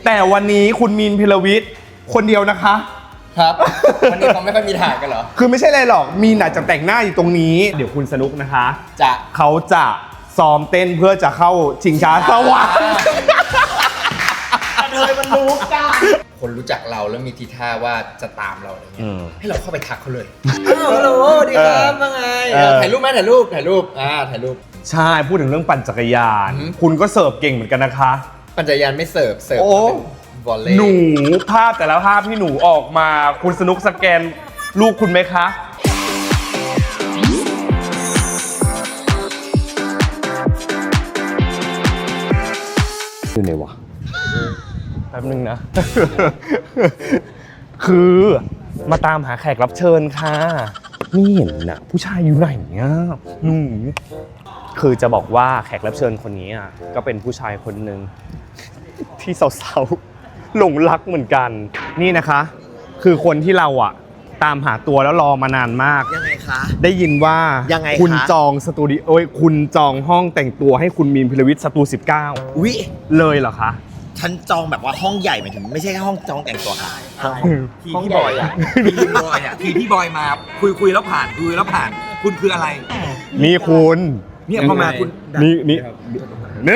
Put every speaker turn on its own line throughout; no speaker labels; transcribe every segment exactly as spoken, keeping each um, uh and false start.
แต่วันนี้คุณมีนพิรวิทย์คนเดียวนะคะ
ครับวันนี้เขาไม่ค่อยมีถ่ายกันเหรอ
คือไม่ใช่อะไรหรอกมีนอาจจะแต่งหน้าอยู่ตรงนี้เดี๋ยวคุณสนุกนะคะ
จะ
เขาจะซ้อมเต้นเพื่อจะเข้าชิงช้าสวรรค์
เลยมันรู้กันคนรู้จักเราแล้วมีทีท่าว่าจะตามเราอะไรเงี้ยให้เราเข้าไปทักเขาเลยฮัลโหลดีครับว่าไงถ่ายรูปไหมถ่ายรูปถ่ายรูปอ่าถ่ายรูป
ใช่พูดถึงเรื่องปั่นจักรยานคุณก็เสิร์ฟเก่งเหมือนกันนะคะ
ปั่นจักรยานไม่เสิร์ฟเสิร์ฟวอลเลย์
หนูภาพแต่ละภาพที่หนูออกมาคุณสนุกสแกนลูกคุณไหมคะอยู่ไหนวะแป๊บนึงนะ คือมาตามหาแขกรับเชิญค่ะนี่เห็นนะผู้ชายอยู่ไหนเนี่ยหนูคือจะบอกว่าแขกรับเชิญคนนี้อ่ะก็เป็นผู้ชายคนหนึ่งที่สาวๆหลงรักเหมือนกันนี่นะคะคือคนที่เราอ่ะตามหาตัวแล้วรอมานานมาก
ยังไงคะ
ได้ยินว่า
ยังไง
คุณจองสตูดิโอคุณจองห้องแต่งตัวให้คุณมีนพิรวิทย์สตูสิบเก้า
อุ๊ย
เลยเหรอคะ
ฉันจองแบบว่าห้องใหญ่หมายถึงไม่ใช่แค่ห้องจองแต่งตัวค่ะ
ห้องบอยอ่ะทีพี่บอยอ่ะทีพี่บอยมาคุยคุยแล้วผ่านคุยแล้วผ่านคุณคืออะไร
นี่คุณ
เนี่ยพอมาคุณ
นี่นี่เนี่ย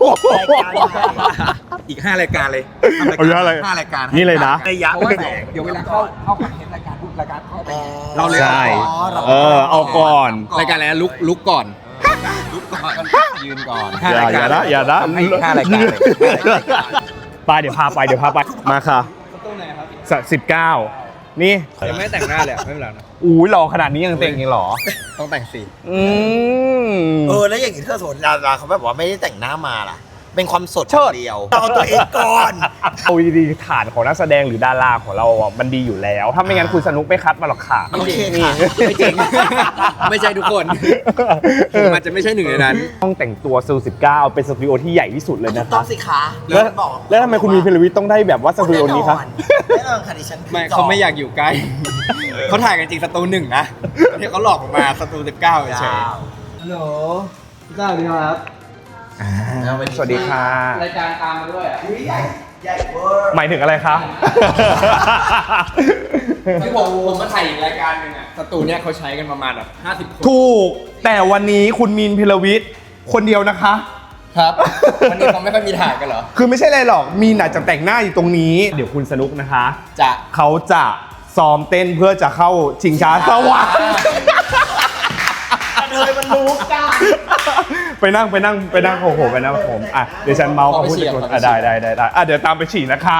อีกห้ารายการเลย
เอาเยอะเลย
ห้ารายการ
นี่เลยนะ
ระยะเพราะว่าเดี๋ยวเวลาเข้าเข้าคอนเทนต์รายการทุกรายการเข้าไป
เราเลยเออเอาก่อน
รายการอะไรลุกลุกก่อน
ลุกก่อนยืนก่อน
อย่าอย่านะอย่านะ
ห้ารายการเลย
ไปเดี๋ยวพาไปเดี๋ยวพาไปมาค่ะสิบเก้านี่
ยังไม่แต่งหน้าเลยไม่เป็นไรนะ
อุ้ยหล่อขนาดนี้ยังแต่งยังหรอ
ต้องแต่งสิ
อืม
เออแล้วอย่างนี้เธอสนดาราเขาแบบว่าไม่ได้แต่งหน้ามาล่ะเป็นความสดเดียวเอาตัวเองก่อน
เอาดีๆฐานของนักแสดงหรือดาราของเราอ่ะมันดีอยู่แล้วถ้าไม่งั้นคุณสนุกไม่คัดมาหรอกค่ะ
โอเคค่ะไม่จริงไม่ใช่ทุกคนมันจะไม่ใช่หนึ่งในนั้น
ห้องแต่งตัวสตูดิโอสิบเก้าเป็นสตูดิโอที่ใหญ่ที่สุดเลยนะ
ต้องสิคะ
แล้วแล้วทำไมคุณมีพิรวิทย์ต้องได้แบบว่าสตูดิโอนี้ครับ
แน่นอนค่ะดิฉันไม่เขาไม่อยากอยู่ใกล้เขาถ่ายกันจริงสตูหนึ่งนะที่เขาหลอกมาสตูสิบเก้าเฉยฮัลโหลพี่เจ้าดีครับ
สวัสดีค่ะ
รายการตามมาด้วยอ่ะใหญ่ใหญ่เวอร์
หมายถึงอะไรคะ
ที่ผมผมมาถ่ายอีกรายการหนึ่งอ่ะสตูเนี่ยเขาใช้กันประมาณแบบห้าสิบคน
ถูกแต่วันนี้คุณมีนพิรวิทย์คนเดียวนะคะ
ครับวันนี้เขาไม่ค่อยมีถ่ายกันเหรอ
คือไม่ใช่อะไรหรอกมีนอาจจะแต่งหน้าอยู่ตรงนี้เดี๋ยวคุณสนุกนะคะ
จะ
เขาจะซ้อมเต้นเพื่อจะเข้าชิงช้าสวรรค์
เลยมันรู้กัน
ไปนั่งไปนั่งไปนั่งโอ้โหไปนั่งผมอ่ะเดี๋ยวฉันเมาส์เขาพูดถึงอ่ะได้ได้ได้ได้อ่ะเดี๋ยวตามไปฉี่นะคะ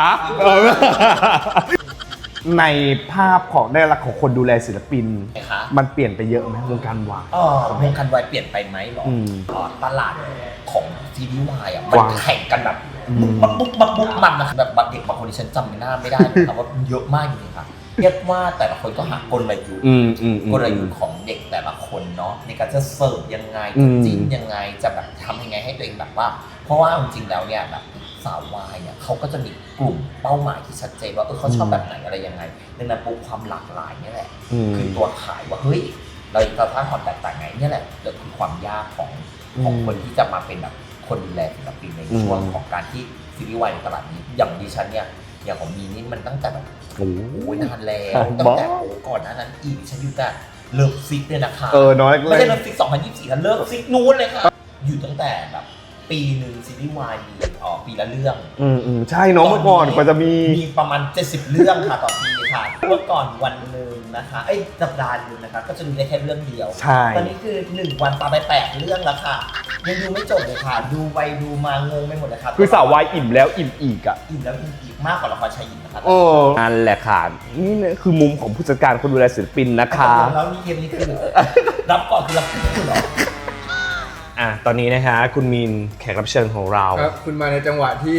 ในภาพของได้รักของคนดูแลศิลปินมันเปลี่ยนไปเยอะไหมวงการวาย
อ๋อวงการวายเปลี่ยนไปไหมหรอตลาดของซีรีส์วายอ่ะมันแข่งกันแบบบุ๊บบุ๊บบุ๊บบุ๊บมันนะแบบบางเด็กบางคนที่ฉันจำไม่ได้ไม่ได้นะครับว่าเยอะมากจริงๆค่ะเรียกว่าแต่ละคนก็หากลยุทธ์กลยุทธ์ของเด็กแต่ละคนเนาะในการจะเสิร์ฟยังไงจะจิ้นยังไงจะแบบทำยังไงให้ตัวเองแบบว่าเพราะว่าจริงๆแล้วเนี่ยแบบสาววายเนี่ยเขาก็จะมีกลุ่มเป้าหมายที่ชัดเจนว่าเออเขาชอบแบบไหนอะไรยังไงดังนั้นปุ๊บความหลากหลายนี่แหละคือตัวขายว่าเฮ้ยเราจะสร้างความแตกต่างไงนี่แหละเกิดคือความยากของของคนที่จะมาเป็นแบบคนดูแลศิลปินในช่วงของการที่ซีรีส์วายในตลาดนี้อย่างดิฉันเนี่ยอย่างของมีนี่มันตั้งแต่แบบโอ้ยนานแล้วตั้งแต่โอ้ก่อนหน้านั้นอีกฉันอยู่แต่เลิฟซิกเนี่ยนะคะ
เออน้อย
ไม่ใช่เลิฟซิกสองพันยี่สิบสี่นะเลิฟซิกนู้นเลยค่ะอยู่ตั้งแต่แบบปีหนึ่งซีรีส์วายมีอ๋อปีละเรื่อง
อืมอืมใช่น้องเมื่อก่อนกว่าจะมี
มีประมาณเจ็ดสิบเรื่องค่ะต่อปีค่ะเมื่อก่อนวันนึงนะคะเอ้ยสัปดาห์นึงนะคะก็จะดูได้แค่เรื่องเดียว
ใช่
ตอนนี้คือหนึ่งวันปาไปแปดเรื่องแล้วค่ะยังดูไม่จบเลยค่ะดูไปดูมางงไปหมดเลยค่ะ
คือสาววายอิ่มแล้วอิ่มอีกอ่ะ
อิ่มแล้วอิ่มอีกมากกว่าละครชายหญิงนะคะ
โอ้นั่นแหละค่ะนี่คือมุมของผู้จัดการคนดูแลศิลปินนะคะ
แล้วนี่เกมนี้คือรับก่อนคือรับคุณเหรอ
อ่ะตอนนี้นะฮะคุณมีนแขกรับเชิญของเรา
ครับคุณมาในจังหวะที่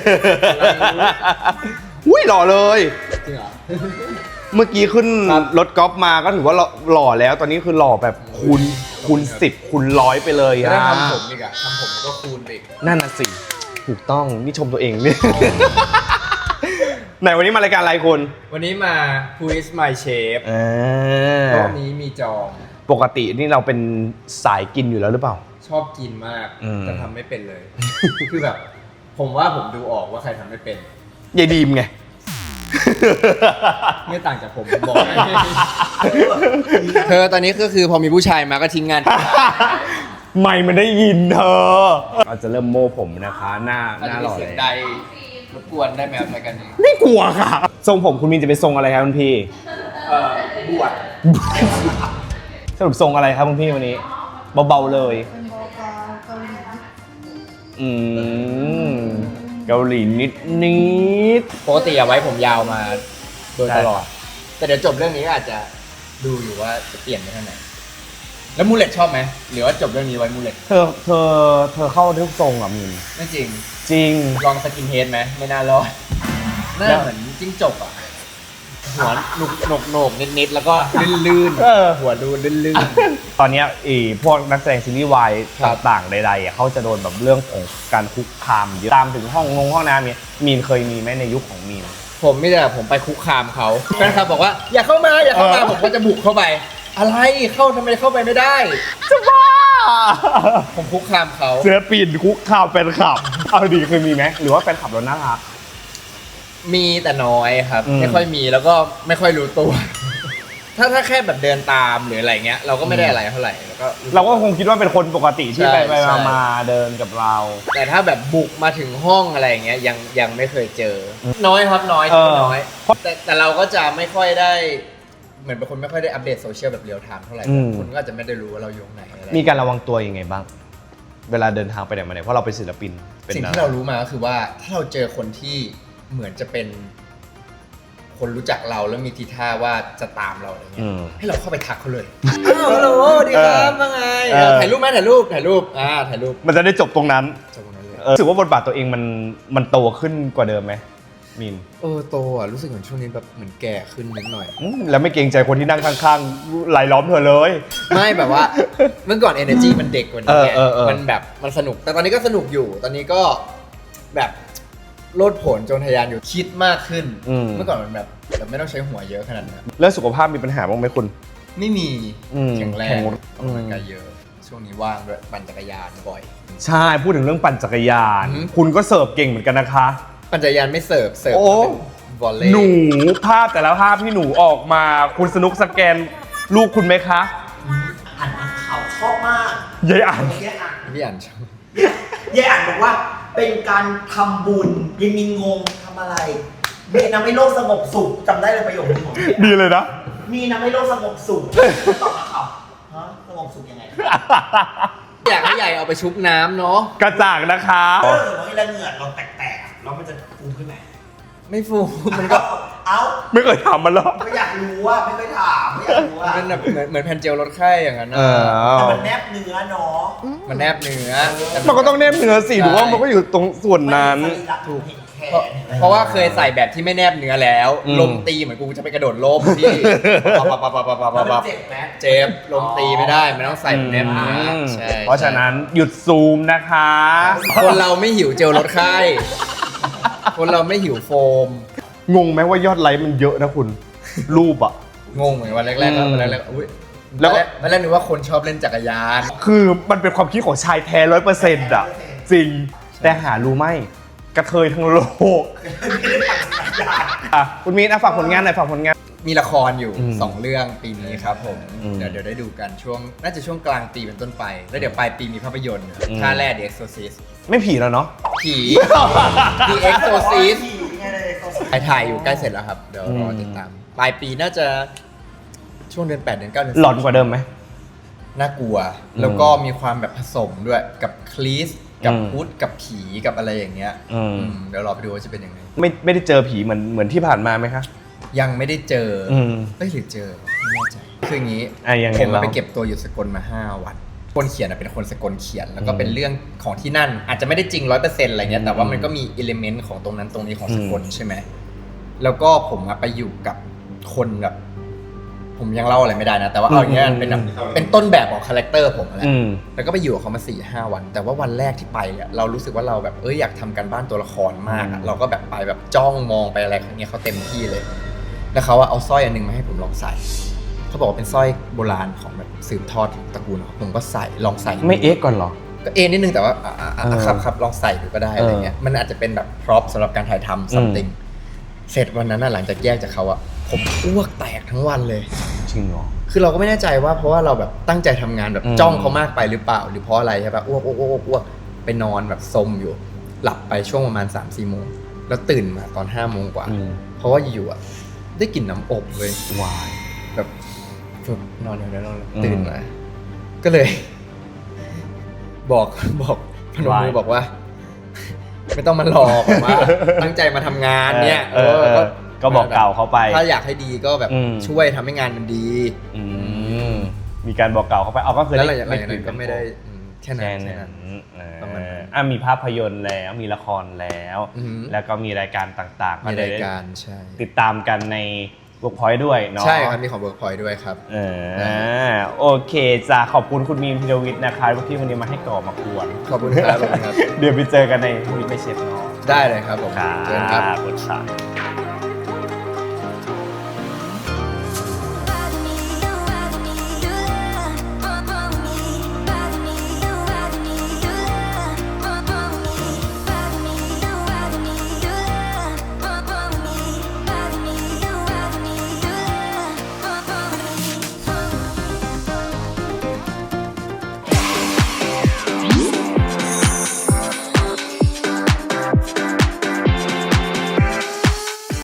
อุ้ยหล่อเลย
จริงเหรอ
เมื่อกี้ขึ้นรถกอล์ฟมาก็ถือว่าหล่อแล้วตอนนี้คือหล่อแบบคูณคูณสิบคูณร้อยไปเลย
อ่ะทำผมอีกอ่ะทำผมก็คูณอีก
นั่นน่ะสิถูกต้องนี่ชมตัวเองนี่ไหนวันนี้มารายการอะไรคุณ
วันนี้มา Who is my chef รอบนี้มีจอง
ปกตินี่เราเป็นสายกินอยู่แล้วหรือเปล่า
ชอบกินมากแต่ทำไม่เป็นเลยคือแบบ
ผมว่าผมดูออกว่าใครทำไม่เป็น
ยายดีมไง
ไม่ต่างจากผมผมบอกให้เธอตอนนี้ก็คือพอมีผู้ชายมาก็ทิ้งงาน
ไม่มันได้ยินเธอเราจะเริ่มโม่ผมนะคะ หน้าหน้าหล่อ
เสี
เลย
งใดรบกวนได้ไหมครับรายการนี้
ไม่กลัวค่ะ ทรงผมคุณมินจะเป็นทรงอะไรครับคุณพี่
เอ่อบวช
สรุปทรงอะไรครับคุณพี่วันนี้เบาๆเลย
เป็นโบกาเกาหลี
อืมเกาหลีนิดนิด
ปกติอะไว้ผมยาวมาโดยตลอด แต่เดี๋ยวจบเรื่องนี้ก็อาจจะดูอยู่ว่าจะเปลี่ยนไปทางไหน แล้วมูเลตชอบไหมหรือว่าจบเรื่องนี้ไว้มูเลต
เธอเธอเธอเข้าทุกทรงอ่ะมิน
ไม่จริง
จริง
ลองสกินเฮดไหมไม่น่ารอดหน้าเหมือนจิ้งจกอ่ะ หัวหนุกหนกโหนกนิดๆแล้วก็ลื่น
เออ
ๆหัวดูลื่น
ตอนเนี้ยไอีพวกนักแสดงซีรีส์วาย
ครับ
ต่างๆใดๆอ่ะเขาจะโดนแบบเรื่องของการคุกคามเยอะตามถึงห้องงงห้องน้ำเนี่ยมีนเคยมีไหมในยุคของมีน
ๆผมไม่ได้ผมไปคุกคามเขาแฟนคลับบอกว่าอย่าเข้ามาอย่าเข้ามา
เออ
ผมก็จะบุกเข้าไป อะไรเข้าทำไมเข้าไปไม่ได้
จะบ้า
ผมคุกคามเขา
เสือปีนคุกคามแฟนคลับ เอาดีเคยมีไหมหรือว่าแฟนคลับเราน่ารัก
มีแต่น้อยครับ
อืม
ไม่ค่อยมีแล้วก็ไม่ค่อยรู้ตัว ถ้าถ้าแค่แบบเดินตามหรืออะไรเงี้ย เราก็ไม่ได้อะไรเท่าไหร่แล้วก็
เราก็คงคิดว่าเป็นคนปกติที่
ใช่
ไปไป
ใช่
มามาเดินกับเรา
แต่ถ้าแบบบุกมาถึงห้องอะไรอย่างเงี้ยยังยังไม่เคยเจอ น้อยครับน้อย
เออ
น้อยแต่แต่เราก็จะไม่ค่อยได้ เหมือนเป็นคนไม่ค่อยได้อัปเดตโซเชียลแบบเรียลไทม์เท่าไหร่คนก็อาจจะไม่ได้รู้ว่าเราอยู่ไหนอะไร
มีการระวังตัวยังไงบ้าง เวลาเดินทางไปไหนมาไหนเพราะเราเป็นศิลปินเป็น
สิ่งที่เรารู้มาก็คือว่าถ้าเราเจอคนที่เหมือนจะเป็น คนรู้จักเราแล้วมีทีท่าว่าจะตามเราอะไรเงี้
อื
ย
ม
ให้เราเข้าไปทักเขาเลยอ้าวฮัลโหลดีครับว่าไง
เออ
ถ่ายรูปไหมถ่ายรูปถ่ายรูปอ่าถ่ายรูป
มันจะได้จบตรงนั้น
จบตรงนั้นเลย
เออรู้สึกว่าบทบาทตัวเองมันมันโตขึ้นกว่าเดิมไหมมิน
เออโตอ่ะรู้สึกเหมือนช่วงนี้แบบเหมือนแก่ขึ้นนิดหน่อย
อืมแล้วไม่เกรงใจคนที่นั่งข้างๆรายล้อมเธอเลย
ไม่แบบว่าเมื่อก่อน energy มันเด็กกว่านี้ไง
เออเออเออ
มันแบบมันสนุก แต่ตอนนี้ก็สนุกอยู่ ตอนนี้ก็แบบโลดโผนจนทะยานอยู่คิดมากขึ้น เมื่อก่อนมันแบบแบบไม่ต้องใช้หัวเยอะขนาดนั้น
แล้วสุขภาพมีปัญหาบ้างไหมคุณ
ไม่มี
อืม
แข็งแร
แข็
ง
ง
ออกกำลังกายเยอะ ช่วงนี้ว่างด้วยปั่นจักรยานบ่อย
ใช่พูดถึงเรื่องปั่นจักรยาน
อืม
คุณก็เสิร์ฟเก่งเหมือนกันนะคะ
ปั่นจักรยานไม่เสิร์ฟเสิร์ฟ
โอ้
เป็นวอลเลย์
หนูภาพแต่ละภาพที่หนูออกมา คุณสนุกสแกนลูกคุณไหมคะ
อ่านข่าวชอบมาก
ยายอ่าน
เมื่อกี้อ่าน
พี่อ่านชอบ
ยายอ่านบอกว่าเป็นการทำบุญยังมีงงทำอะไร มีนะไม่โลกสงบสุขจำได้เลยประโยคนี้ของพี่
ดีเลยนะ
มีนะไม่โลกสงบสุขตอบนักข่าวฮะสงบสุขยังไง
อยากให้ใหญ่เอาไปชุบน้ำเนาะ
กระจ่างนะคะ
ถ้าสมมติว่าเหงื่อเราแตกๆแล้วมันจะฟูขึ้นไหม
ไม่ฟูมันก็
เอ้า
ไม่เคยถามมันหรอก
ไม่อยากรู้ว่าไม่เคยถามไม่อยากรู้ว่า
มันแบบเหมือนเหมือนแผ่นเจลลดไข้อย่างนั้นนะ
เออ
แต่มันแนบเนื้อเนาะ
มันแนบเนื้อ
มันก็ต้องแนบเนื้อสิหรือว่ามันก็อยู่ตรงส่วนนั้น
ถูกเห็นแข
เพราะ
น
เพราะว่าเคยใส่แบบที่ไม่แนบเนื้อแล้ว
อืม
ลมตีเหมือนกูจะไปกระโดดล่มที่ปับปับปับปับปับปับ
แล้วมัน
ปับ
เจ็บไหม
เจ็บลมตีไม่ได้มันต้องใส่แบบแนบเนื้อ
อืม
ใช่
เพราะฉะนั้นหยุดซูมนะคะ
คนเราไม่หิวเจลลดไข้คนเราไม่หิวโฟม
งงไหมว่ายอดไลค์มันเยอะนะคุณ รูปอ่ะ
งงเหมือนวันแรกๆก็
อืม
วันแรกๆอุ้ย
แล้วก็
วันแรกๆนึกว่าคนชอบเล่นจักรยาน
คือมันเป็นความคิดของชายแท้ร้อยเปอร์เซ็นต์อ่ะ จริง แต่หารู้ไหมกระเทยทั้งโลกอ่ะคุณมีนอ่ะฝากผลงานหน่อยฝากผลงาน
มีละครอยู่
อืม
สองเรื่องปีนี้ครับผม
อืม
เดี๋ยวเดี๋ยวได้ดูกันช่วงน่าจะช่วงกลางปีเป็นต้นไป แล้วเดี๋ยวปลายปีมีภาพยนตร์
อืม
ท่าแร่ The Exorcist
ไม่ผีแล้วเนาะ
ผี The Exorcist
ผีไงเลย Exorcist
ถ่ายถ่ายอยู่ใกล้เสร็จแล้วครับ เดี๋ยวรอติดตาม ปลายปีน่าจะช่วงเดือนแปดเดือนเก้าเดือนสิบ
หลอนกว่าเดิมไหม
น่ากลัว
อืม
แล้วก็มีความแบบผสมด้วยกับคลีสกับ
อืม
พุทธกับผีกับอะไรอย่างเงี้ย
อืม
อืมเดี๋ยวรอไปดูว่าจะเป็นยังไง
ไม่ไม่ได้เจอผีเหมือนเหมือนที่ผ่านมาไหมคะ
ยังไม่ได้เจออ
อืม
เอ้ยหรือเจอไม่แน่ใจคืออย่างนี้
อ่ะยังไง
ผมมา
เล่า
ไปเก็บตัวอยู่สกลมาห้าวันคนเขียนอะเป็นคนสกลเขียน แล้วก็เป็นเรื่องของที่นั่น อาจจะไม่ได้จริงร้อยเปอร์เซ็นต์อะไรเงี้ยแต่ว่ามันก็มีอิเลเมนต์ของตรงนั้นตรงนี้ของสกลใช่ไหมแล้วก็ผมอะไปอยู่กับคนแบบ ผมยังเล่าอะไรไม่ได้นะ แต่ว่าเอาอย่างเงี้ยมันเป็นแบบเป็นต้นแบบของคาแรคเตอร์ผมแหละ
อืม
แล้วก็ไปอยู่กับเขามาสี่ห้าวัน แต่ว่าวันแรกที่ไปเนี่ยเรารู้สึกว่าเราแบบเอ้ยอยากทำการบ้านตัวละครมากอะ
อืม
เราก็แบบไปแบบจ้องมองไปอะไรอย่างเงี้ยเขาเต็มที่เลย แล้วเขาอะเอาสร้อยอันหนึงมาให้ผมลองใส่เขาบอกว่าเป็นสร้อยโบราณของแบบสืบทอดตระกูลของผมก็ใส่ลองใส่
ไม่เอ๊ะก่อนเหรอ
ก็เอ็นนิดนึงแต่ว่าอ่ะอ่ะอ่ะ
เออ
ครับครับลองใส่ดูก็ได้อะไรเงี้ยมันอาจจะเป็นแบบพร็อพสำหรับการถ่ายทำ something เสร็จวันนั้นน่ะหลังจากแยกจากเขาอะผมอ้วกแตกทั้งวันเลย
จริงเหรอ
คือเราก็ไม่แน่ใจว่าเพราะว่าเราแบบตั้งใจทำงานแบบ
อืม
จ้องเขามากไปหรือเปล่า หรือเพราะอะไรใช่ปะอ้วกอ้วกอ้วกอ้วกไปนอนแบบซมอยู่ หลับไปช่วงประมาณ สามสี่โมงแล้วตื่นมาตอนห้าโมงกว่า
อืม
เพราะว่าอยู่ๆอะได้กลิ่นน้ำอบเลยว
าย
แบบฝึกนอนอยู่แล้วนอน
อืม
ตื่นมาก็เลย บอกบอกพนมมือ
Why?
บอกว่า ไม่ต้องมาหลอกแบบว่า ตั้งใจมาทำงานเนี่ย
เออเออ
ก็
ก็บอกกล่าวเขาไป
ถ้าอยากให้ดีก็แบบ
อืม
ช่วยทำให้งานมันดี
อืมมีการบอกกล่าวเขาไปเอาก็คือ
แล้วห
ได้
ลังจากนั้นก็ไม่ได้
คุย
อืมแค่นั้
แค่
นแค่
นั้
นั้น น
เออ
ประมาณนั้น
อ่ะมีภาพยนตร์แล้วมีละครแล้ว
อือหือ
แล้วก็มีรายการต่างๆ
มี
เล
ราย ยการใช่
ติดตามกันใน Workpoint ด้วยเนาะ
ใช่ครับมีของเวิร์กพอยด้วยครับ
เออโอเคจ้าขอบคุณคุณมีมพิรวิทย์นะคะที่วันนี้มาให้ก่อมาควร
ขอบคุณครับขอบคุณครับ
เดี๋ยวไปเจอกันในวิทย์ไม่เช็ดเนาะ
ได้เลยครับผม
ครั
เชิญครับ
บขอบคุณครับ